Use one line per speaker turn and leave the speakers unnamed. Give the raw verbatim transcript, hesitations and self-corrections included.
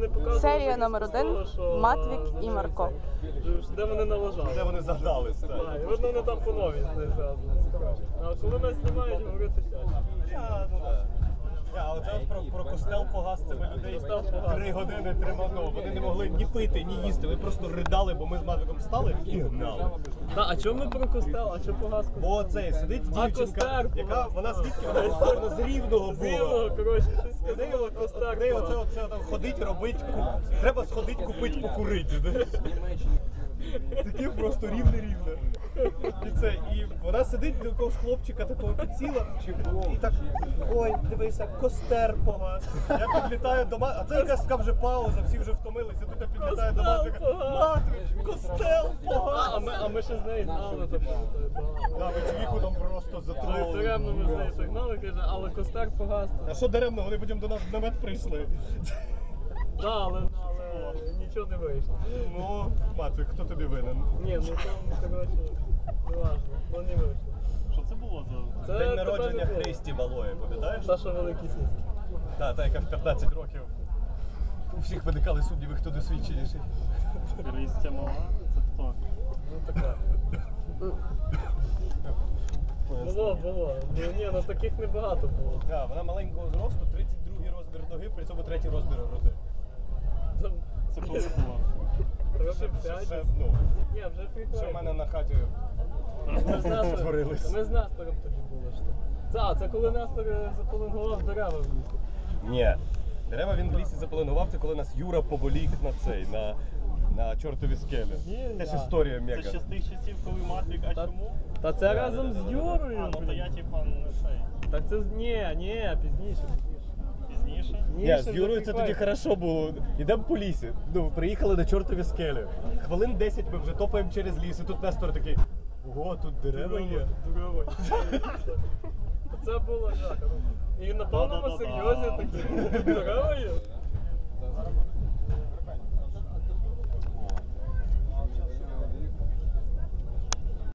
вони показували.
Серія номер один.
того, що,
Матвік і
е,
Марко.
Де вони налажали.
Де вони загнались,
Так,
так.
і видно, вони там по новій зв'язано. А коли нас знімають, говорити тяжко.
Я, ну, так. Я, але це от про, про костел погас цими людей
Костел погас.
три години тримано. Вони не могли ні пити, ні їсти. Вони просто ридали, бо ми з Матвиком встали і гнали.
Та, а чому ми про костел? А чому погас костел?
Бо цей сидить
А,
дівчинка,
костер
яка
погас.
вона звідки вона була? Вона з Рівного
З Рівного,
була.
коротше, щось
В неї
сказала,
от-
костер
в неї оце,
погас.
оце, там ходить, робить, ку... треба сходити, купити, покурити. знаєш. Таке просто рівне-рівне. І це, і вона сидить до якогось хлопчика такого підсіла, і так, ой, дивися, костер погас. Я підлітаю до Матвика, а це якась така вже пауза, всі вже втомилися, тут я підлітаю до
Костел
Матвика.
погас.
Матвик, костел
А,
погас.
а ми, а ми ще з нею гнали там.
Да, ми цвіху там просто затроли.
Даремно ми з нею ще гнали, каже, але костер погас.
А що даремно, вони потім до нас в намет прийшли.
Да, але, але нічого не вийшло.
Ну, Матвик, хто тобі винен?
Ні, ну там, коротше, не важно, ну не вийшло.
Що це було за?
Це
День
тебе
народження
не було.
Христі Малої, пам'ятаєш?
Та, що великі сіськи.
Так, та, яка в п'ятнадцять років. У всіх виникали сумніви, хто досвідченіший.
Христя мала? Це хто?
Ну така. Було, було. Ну, ні, ну таких небагато було.
Да, вона маленького зросту, тридцять другий розмір ноги, при цьому третій розмір груди.
Там
Це коли було?
років п'ять.
Ще,
десь.
ну,
Ні, вже прикольно.
ще в мене на хаті
Ми з Нестором-
створились.
Ми з Нестором тоді були. Що. Це, а, це коли Нестор заполингував дерева в лісі.
Ні. Дерева він в лісі заполонував, це коли нас Юра поволік на цей, на, на чортові скелі.
Ні,
Це ж
я.
історія
Це
мега.
ще з тих часів, коли Матвік, а
Та-
чому?
Та це разом з Юрою.
А, ну то
блін.
я типа не цей.
Так це з- ні, ні, пізніше, пізніше.
Пізніше.
Ні,
ще
з
вже
Юрою це тоді
прикольно.
хорошо було. Ідемо по лісі. Ну, приїхали на чортові скелі. Хвилин десять ми вже топаємо через ліс, і тут Нестор такий. Ого, тут дерева є.
Дерева. Це було жах. І на повному
Да-да-да-да.
серйозі такі дерева є.